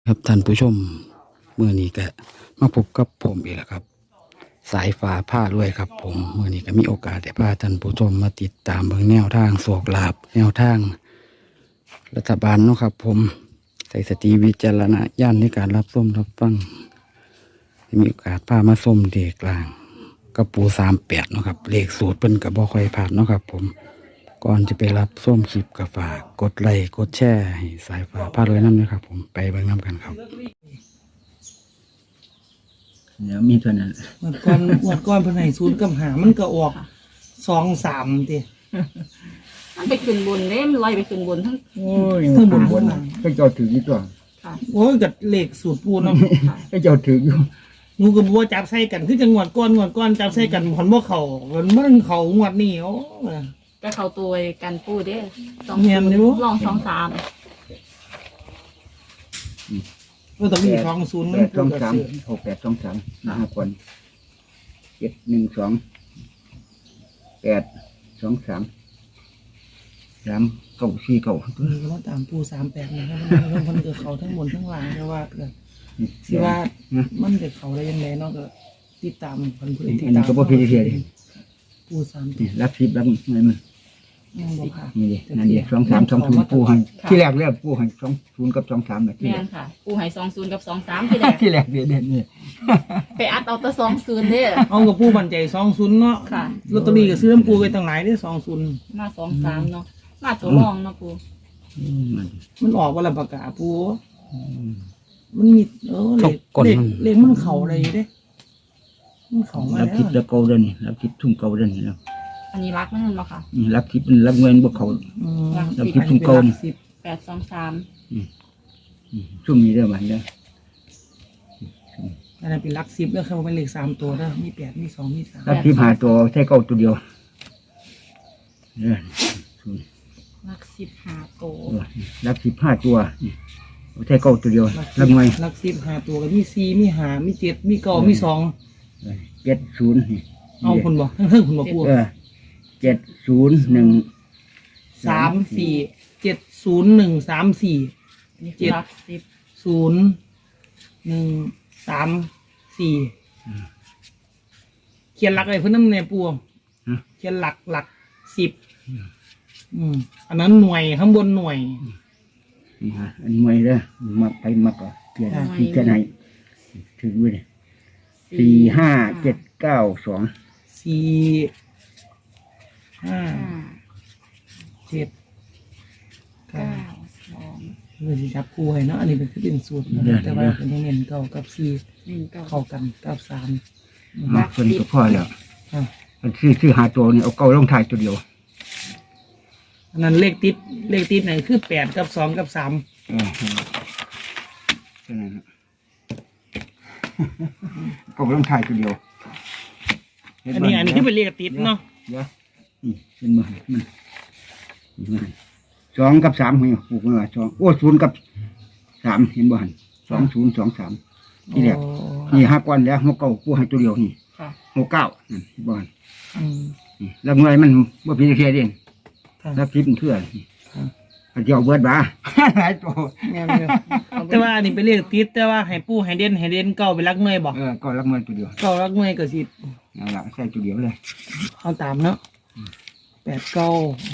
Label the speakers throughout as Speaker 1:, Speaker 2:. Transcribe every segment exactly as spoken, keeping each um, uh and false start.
Speaker 1: ครับท่านผู้ชมเมื่อนี้ก็มาพบกับผมอีกแล้วครับ สายฟ้าผ้ารวยครับ ผมเมื่อนี้ก็มีโอกาสได้พาท่านผู้ชมมาติดตามเบื้องแนวทางโศกลาบแนวทางรัฐบาลเนาะครับ ผมใส่สติวิจารณญาณในการรับส้มรับฟังมีโอกาสพามาส้มเด็กกลางกับปูสามแปดเนาะครับเลขสูตรเป็นกับบ่ค่อยผ่านเนาะครับ ผมก่อนจะไปรับส้มคลิปกับฝากกดไลค์กดแชร์ให้สายฟ้าผ้ารวยน้ำนะครับ ผมไปเบิ่งน้ำกันครับ
Speaker 2: เดี๋ยวมีเท่านั้น
Speaker 3: หมดก่อนหมดก่อนเพิ่นให้ศูนย์กับหามันก็ออกสองสามติ
Speaker 4: มันไปขึ้นบนเด้มันลอยไปขึ้นบนทั้ง
Speaker 2: โอ้ย
Speaker 3: ทั้งบนบนหลัง
Speaker 2: ก็เจ้าถืออยู่ตัว
Speaker 4: ค่ะ
Speaker 3: โอ้ยกับเลขสูตรปูเนาะ
Speaker 2: ก็เจ้าถืออยู่
Speaker 3: หนูก็บ่ว่าจับใส่กันคือจังหวัดก่อนงวดก่อนจับใส่กันผลบ่เข้ามันมันเข้างวดนี้โอ้
Speaker 4: ก็เข้าตัวกันปูเด้สอง
Speaker 3: เนียนอยู่
Speaker 4: ลองสองสาม
Speaker 3: ก็ต้องมีสองศูนย์
Speaker 2: แป
Speaker 3: มัน
Speaker 2: ดสอง
Speaker 3: ก็
Speaker 2: สาม
Speaker 3: ซื้อ
Speaker 2: หกแปดสองสามห้าคนเจ็ดหนึ่งสองแปดสองสามสามเก้าสี่เก้า
Speaker 3: นี่ก็มาตามปูสามแปดนะครับมันมันก็เข้าทั้งบนทั้งล่างแต่ว่าก็สิว่ามันจะเข้าได้ยังไงเนาะก็ติดตามเพิ่นผู้ใดติด
Speaker 2: อัน
Speaker 3: ตา
Speaker 2: นี้
Speaker 3: ม
Speaker 2: ก็บ่พิเศษเลย
Speaker 3: ปูสามแป
Speaker 2: นี่
Speaker 3: ด
Speaker 2: รับสิบรับเงินมัน
Speaker 3: ยังบ่ค่ะ
Speaker 2: นี่ดินั่นดิสองสามสองศูนย์ปูให้ที่แรกเรียกปูให้สองศูนย์กับสองสามนะที่
Speaker 4: แม่
Speaker 2: แรก
Speaker 4: นค่ะ ปูให้สองศูนย์กับสองสามที่แรก
Speaker 2: ที่แรกเด็ดเด็ดนี่
Speaker 4: ไปอัดเอาแต่สองศูนย์เด้
Speaker 3: เอากับปูมั่นใจสองศูนย์เนาะ
Speaker 4: ค่ะ
Speaker 3: ลอตเตอรี่ก็ซื้อน้ำปูไปตั้งหลายได้สองศูนย์
Speaker 4: มาสองสามเนาะมาตัวรองเนาะปู
Speaker 2: อืมมัน
Speaker 3: มันออกวันละประกาศปูมันมีเออเลข
Speaker 1: กด
Speaker 3: เลข
Speaker 1: มัน
Speaker 3: เลขมันเข่าอะไรเด้มันเข่ามา
Speaker 2: รับ
Speaker 3: แล้
Speaker 2: ทิพ
Speaker 3: ว
Speaker 2: ย์ตะเกาเดินนี่รับทิพย์ทุ่งเกาเดินนี่แล้ว
Speaker 4: อันนี้รักนั่นเนาะค่ะ
Speaker 2: นี่รับทิพย์มันรับเงินบ่เขา
Speaker 3: อืม
Speaker 2: แล้วคิดถึงเก่า
Speaker 3: สิบ
Speaker 4: แปดสองสาม
Speaker 2: ช่วงนี้เด้อมันเด้อ
Speaker 3: อันนั้นเป็นหลักสิบแล้วครับเป็นเลขสามตัวเด้อมีแปดมีสองมีสาม
Speaker 2: รับทิพย์หาตัวใช้เก้าตัวเดียวเนี่ย
Speaker 4: รักสิบหาโต
Speaker 2: รับทิพย์ห้าตัวนี่ใช้เก้าตัวเดียวรับเงิน
Speaker 3: หลักสิบห้าตัวก็มีสี่มีห้ามีเจ็ดมีเก้ามีสอง
Speaker 2: เจ็ดศูนย์นี่
Speaker 3: เอาคุณบอกทั้งเท่งคุณบอกปู
Speaker 2: เออเจ็ดศูนย์หนึ่ง
Speaker 3: สามสี่เจ็ดศูนย์หนึ่งสามสี่
Speaker 4: อันนี้คือรักสิบ
Speaker 3: ศูนย์หนึ่งสามสี่เขียนหลักอะไรเพื่อนน้ำในปูเขียนหลักหลักสิบอืมอันนั้นหน่วยข้างบนหน่วย
Speaker 2: นี่ฮะอันใหม่เด้อมาไปมาก่อนเปลี่ยนที่จะไหนถือไว้เลยสี่ห้าเจ็ดเก้าสอง
Speaker 3: สี่ห้า
Speaker 4: ห้า
Speaker 3: เจ็ดเก้า
Speaker 4: เก้าสอง
Speaker 3: เพื่อที่จับคู่ให้เนาะอันนี้เป็นคือเป็นสูตรนะแต่ว่าเป็นเงินเก่ากับสี่
Speaker 4: หนึ่งเก้า
Speaker 3: เข้ากันกับสาม
Speaker 2: มาคนก็พอแล้ว
Speaker 3: อ่ะ
Speaker 2: มันซื้อซื้อหาตัวนี่เอาเก้าลงท้ายตัวเดียว
Speaker 3: อันนั้นเลขติดเลขติดไหนคือแปดกับสองกับสาม
Speaker 2: เออแค่นั้นนะเก้าลงท้ายตัวเดียว
Speaker 3: อันนี้อันนี้คือเป็นเลขติดเนาะ
Speaker 2: เดี๋ยวนี่เป็นมือมันมันสองกับสามเห็นปลูกมาสองโอ้ศูนย์กับสามเห็นบ่หันสองศูนย์สองสามที่แรก
Speaker 3: อ๋อ
Speaker 2: นี่ห้าก้อนแล้วหกเก้าปูให้ตัวเดียวนี่
Speaker 4: ค่ะ
Speaker 2: หกเก้านั่นบ่หัน
Speaker 3: อืม
Speaker 2: นี่แล้วเงินมันบ่พิเศษเอง
Speaker 3: ค่ะ
Speaker 2: แล้วคิดเป็นเพื่อน
Speaker 3: ค่ะ
Speaker 2: อันเดียวเบิดบ้า หลายตัว
Speaker 3: แม่นอยู่แต่ว่าอันนี้เป็นเลขติดแต่ว่าให้ปูให้เด่นให้เด่นเก่าไปรักเมยบอก
Speaker 2: เออก็รับเงินตัวเดียว
Speaker 3: เก่ารักเมยก็สิ
Speaker 2: นั่นแหละใส่ตัวเดียวเลย
Speaker 3: เอาตามเนาะแปดเก้า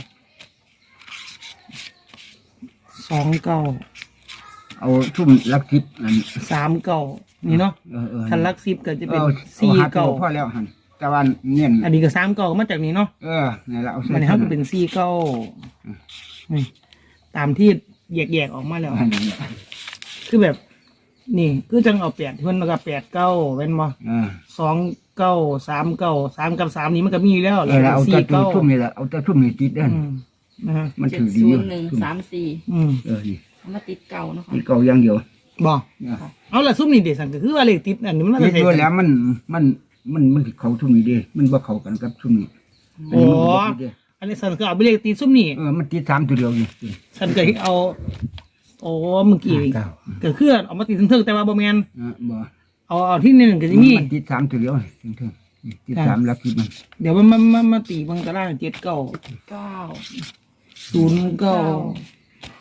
Speaker 3: สองเก้า
Speaker 2: เอาทุ่มลักทิพย์อัน
Speaker 3: สามเก้านี่เนาะ
Speaker 2: เออเออ
Speaker 3: คันลักสิบก็จะเป็น
Speaker 2: เอา
Speaker 3: สี่
Speaker 2: เอาหาตัว
Speaker 3: เก้า
Speaker 2: พอแล้วหันแต่ว่าเนียน
Speaker 3: อันนี้ก็สามเก้ามาจากนี้เนาะ
Speaker 2: เออนี่นแหละเอาใส่
Speaker 3: มันนี้เขาก็เป็นสี่เก้านี่ตามที่แยกๆออกมาแล้ว
Speaker 2: อันนี้
Speaker 3: คือแบบ นี่คือจังเอาแปดเพิ่นแล้วก็แปดเก้าเป็นบ่
Speaker 2: เออ
Speaker 3: สองเก้าสามเก้าสามกับสามนี้มันก็มีอยู่แล้ว
Speaker 2: เออแล้วเอา
Speaker 3: สี่
Speaker 2: แต่ตัว
Speaker 3: เก้า
Speaker 2: ทุ่มนี่แหละเอาแต่ทุ่มนี่ติดเด้อ
Speaker 3: อืมนะฮะ
Speaker 2: มัน
Speaker 4: เจ็ด
Speaker 2: ถือดี
Speaker 4: ศู
Speaker 2: อน ยู่
Speaker 4: ย์หนึ่งสามสี่
Speaker 3: อืม
Speaker 2: เออนี่
Speaker 4: เอามาติดเก่าเนาะค่ะ
Speaker 2: ที่เก่าอย่างเดียว
Speaker 3: บ่
Speaker 2: เนี่ย
Speaker 3: เอาละซุมนี่เด็สันก็คือว่าเลขติดอันนี้มัน
Speaker 2: คิ
Speaker 3: น่า
Speaker 2: ด
Speaker 3: จะ
Speaker 2: ด้วย
Speaker 3: ใส่
Speaker 2: แล้วมันมันมันมันสิเขาทุ่มนี่เด้มันบ่เข้ากันกับทุ่มนี่
Speaker 3: โอ้
Speaker 2: นนี้มันบ่ติดเด้
Speaker 3: อันนี้สันก็เอาไปเลขติดซุมนี่
Speaker 2: เออมันติดสามตัวเดียวนี่
Speaker 3: สันก็เอาโอ้เมื่อกี้
Speaker 2: เก้า
Speaker 3: ก็คือเอามาติดเทิงๆแต่ว่าบ่แม่น
Speaker 2: เออบ่
Speaker 3: เอาเอาที่นี่ก็สิมี
Speaker 2: มันติดสามตัวเดียวนี่เถิงๆนี่ติดสามลักทิพย์มัน
Speaker 3: เดี๋ยวมันมามามาตีมันก็ได้เจ็ดเก้า
Speaker 4: เก้า
Speaker 3: ศูนย์เก้า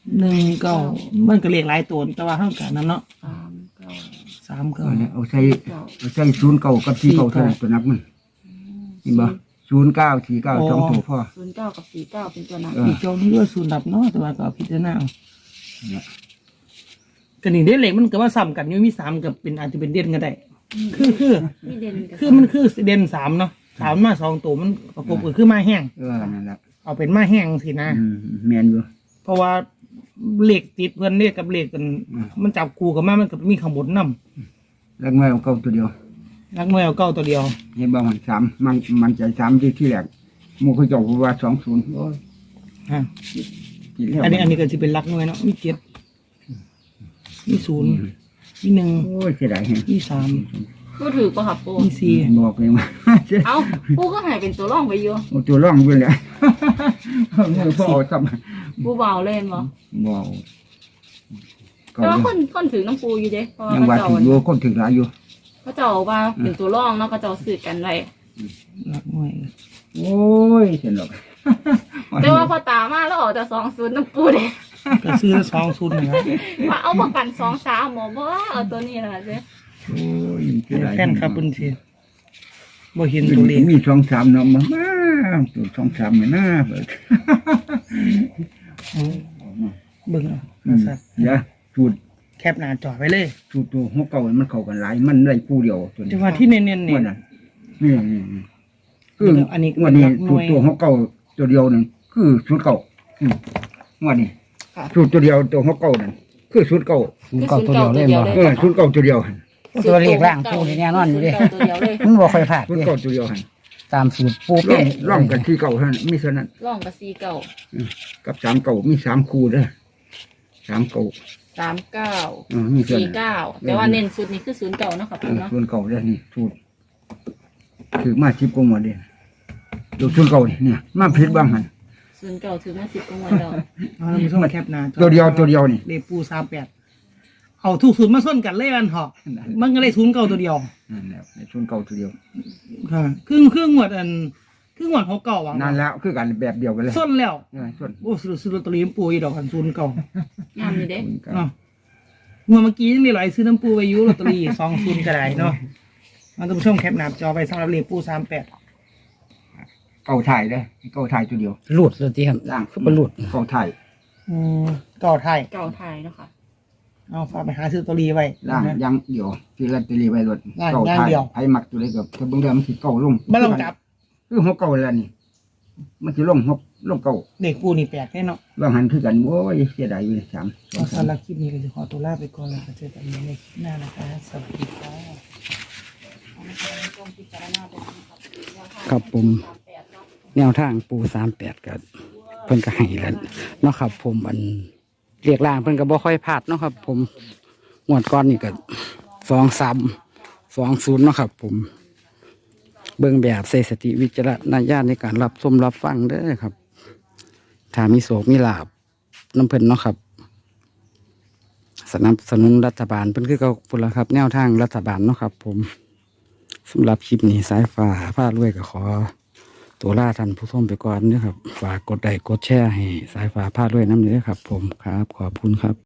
Speaker 3: หนึ่งเก้ามันก็เลขหลายตัวแต่ว่าเท่ากันนั่นเนาะ
Speaker 4: สามเก้า
Speaker 3: สามเก้า
Speaker 2: เอาเนี่ยเอาใส่เอาใส่ศูนย์เก้ากับสี่เก้าเท่านั้นตัวนับมันเห็นบ่ศูนย์เก้าสี่เก้าสองตัวพ่อ
Speaker 4: ศูนย์เก้ากับสี่เก้าเป็นตัวนั้น
Speaker 2: เออ
Speaker 3: อีกโจนี่ด้วยศูนย์ดับเนาะแต่ว่าก็เอาพิจารณาเอา
Speaker 2: เนี่ย
Speaker 3: กันนี่ได้เลขมันก็ว่าซ้ำกันอยู่มีสามกับเป็นอาจจะเป็นเด่นก็ได้ คือคือ
Speaker 4: มีเด่นกับ
Speaker 3: คือมันคือเด่นสามเนาะสามมาสองตัวมันประกบกันคือมาแห้ง
Speaker 2: เออนั่นแหละ
Speaker 3: เอาเป็นมาแห้งสินะ
Speaker 2: อืมแมนอยู่
Speaker 3: เพราะว่าเหล็กติดเพื่อนเลขกับเหล็กกัน
Speaker 2: อืม
Speaker 3: มันจับคู่กันมามันก็มีข้างบนน
Speaker 2: แล้วน้อยเอาเก้าตัวเดียว
Speaker 3: ำนักมวยเอาเก้าตัวเดียว
Speaker 2: เห็นบ่มันสามมันมันใจสามที่ที่แรกหมู่เขาเจ้าว่าสองศูนย์โอ้ย
Speaker 3: ฮะ
Speaker 2: กินแล้ว
Speaker 3: อันนี้อันนี้ก็จะเป็นลักมวยเนาะมีเจ็ดมีศูนย์มีหนึ่ง
Speaker 2: โอ้ยเสียดายแฮง
Speaker 3: มีสาม
Speaker 4: ปูถือป่ะครับปู
Speaker 3: มีสี่
Speaker 2: บอกเลยว่า
Speaker 4: เอ้าปูก็หายเป็นตัวร่องไปอยู่
Speaker 2: เอาตัวร่องอยู่แล้วมือพ่อเอาซ้ำ
Speaker 4: ปูเบาเล่นบ่
Speaker 2: บอกก็
Speaker 4: แต่ว่าคนคนถือน้ำปูอยู่เด้เพราะว่า
Speaker 2: ยังว่า
Speaker 4: เขา
Speaker 2: ถึง
Speaker 4: เจ้า
Speaker 2: อยู่คนถึงหลายอยู่
Speaker 4: เขาเจ้าว่าเป็นตัวร่องเนาะเขาเจ้าสื่อกันไว้
Speaker 3: ลักมวย
Speaker 2: โอ้ยเสียหรอก
Speaker 4: แต่ว่าพอตามาแล้วออกแต่สองศูนย์น้ำปูเด้
Speaker 3: ก็ซื้อละสองศูนย์นะ
Speaker 4: ว่าเอาประกันสองสามหมอบ่เอาตัวนี้แหละเด้
Speaker 2: โอ้ยเสียดาย
Speaker 3: แฟนครับบุญเทียบ่เห็นตัวเลข
Speaker 2: มีสองสามเนาะมามาตัวสองสามเนี่ยนะเบิด
Speaker 3: เบิ่งเอา
Speaker 2: อืม
Speaker 3: สัตว์
Speaker 2: เดี๋ยวสูตร
Speaker 3: แคปหน้าจอไว้เลย
Speaker 2: สูตรตัวหัวเก่ามันเข้ากันหลายมันได้คู่เดียวตัวนี้
Speaker 3: แต่ว่าที่เน้นๆ
Speaker 2: ง
Speaker 3: เนี่
Speaker 2: วย ดนั้นนี่นี่นี่คือ
Speaker 3: อันนี้
Speaker 2: งวดนี้
Speaker 3: หลักหน่
Speaker 2: สู
Speaker 3: ว
Speaker 2: ต
Speaker 3: ย
Speaker 2: รตัวหัวเก่าตัวเดียวนึงคือสูตรเก่าอืมงวดนี้สูตรตัวเดียวตัวหัวเก่านั่นคือสูตรเก่า
Speaker 1: ศูนย์เก้าตัวเดียวเล่นบ่
Speaker 2: เออสูตรเก่าตัวเดียวหั่น
Speaker 1: ตัวเลขล่างปูนี่แน่นอนอยู่เดิ
Speaker 4: ศูย์เก้าตัวเดียวเลย
Speaker 1: มันบ่ค่อยพลาด
Speaker 2: สูตร
Speaker 1: เด้
Speaker 2: เก่าตัวเดียวหั่น
Speaker 1: ตามสูตรปู
Speaker 2: ร่
Speaker 1: เป๊ะ
Speaker 2: องร่องกันที่เก่าเท่านั้นมีเท่านั้น
Speaker 4: ร่องกับสี่เก้า
Speaker 2: กับสามเก่ามีสามคู่เด้อสามเก่า
Speaker 4: สามเก้า
Speaker 2: เออมีเท่า
Speaker 4: สี่
Speaker 2: นั้น
Speaker 4: เก้าแต่ว่าเน้นสุดนี่คือศูนย์เก้าเนาะครับ
Speaker 2: เอ
Speaker 4: ปู
Speaker 2: อ
Speaker 4: เนาะ
Speaker 2: ส่วนเก่าเด้อนี่สูตรถือมาสิบกว่าหมดเด้อดูส่วนเก่านี่เนี่ยมาผิดบ้างหั่น
Speaker 4: ศูนย์เก้าถือมาสิบกว่าแล้ว
Speaker 3: เอาเราไปส่งแคปหน้าจอ
Speaker 2: ตัวเดียวตัวเดียวนี่
Speaker 3: เลขปูสามแปดเอาทุกศูนย์มาส้นกันเลยอันเหอกมันก็เลยศูนย์เก้าตัวเดียว
Speaker 2: นั่นแหละในส่วนเก่าตัวเดียว
Speaker 3: ค่ะครึ่งครึ่งหวดอันครึ่งหวดหกเก้าหวัง
Speaker 2: นั่นแล้วคือกันแบบเดียวกันเลย
Speaker 3: ส้นแล้ว
Speaker 2: เออส่วน
Speaker 3: โอ้ซื้อซื้อลอตเตอรี่น้ำปูอีดอกกันศูนย์เก้าง
Speaker 4: ามอยู่เด้
Speaker 3: เนาะงวดเมื่อกี้ยังมีหลายซื้อน้ำปูไปอยุลอตเตอรี่สองศูนย์ก็ได้เนาะมาท่านผู้ชมแคปหน้าจอไปสำหรับเลขปูสามแปด
Speaker 2: เก่าถ่ายเด้อเก่าถ่ายตัวเดียว
Speaker 1: หลุดเลยที่ครับ
Speaker 2: ล่าง
Speaker 1: คือบ่หลุด
Speaker 2: เก่าถ่าย
Speaker 3: อืมเก่าไทย
Speaker 4: เก่าไทยเนาะค่ะ
Speaker 3: เอาฝากไปหาซื้อลอตเตอรี่ไว้
Speaker 2: ล่าง
Speaker 3: นะ
Speaker 2: ยังเดียวที่ลอตเตอรี่ไว้รถ
Speaker 3: ล่าง
Speaker 2: เก่า
Speaker 3: อย่าง
Speaker 2: ถ่าย
Speaker 3: เดียว
Speaker 2: ไผมักตัวเล็กกับถ้าเบิ่งเดิมมันสิเก่าลง
Speaker 3: ไม่ต้องจับ
Speaker 2: คือหัวเก่าแล้วนี่ มันสิลงหัวลงเก่า
Speaker 3: เด็กปูนี่แปลกแน่เนาะ
Speaker 2: บางหันคือกันโอ้ยเสียดายอยู่เลยสามสอง
Speaker 3: เอา
Speaker 2: สาม
Speaker 3: สำหรับคลิปนี้ก็จะขอตัวลาไปก่อนแล้วก็เจอกันในคลิปหน้านะคะสวัสดีค่ะ
Speaker 1: ครับผมแนวทางปูสามแปดก็เพิ่นก็ให้แล้วเนาะครับ ผมอันเรียกล่างเพิ่นก็บ่ค่อยพลาดเนาะครับ ผมงวดก่อนนี่ก็สองสามสองศูนย์เนาะครับ ผมเบิ่งแบบใส่สติวิจารณญาณในการรับชมรับฟังเด้อครับถ้ามีโศกมีลาบน้ำเพิ่นเนาะครับ สนับสนุนรัฐบาลเพิ่นคือเก่าพุ่นละครับ แนวทางรัฐบาลเนาะครับ ผมสำหรับคลิปนี้สายฟ้าผ้ารวยก็ขอ ตัวล่าท่านผู้ชมไปก่อนนะครับ ฝากกดไลค์กดแชร์ให้สายฟ้าผ้ารวยน้ำเนื้อครับ ผมครับ ขอบคุณครับ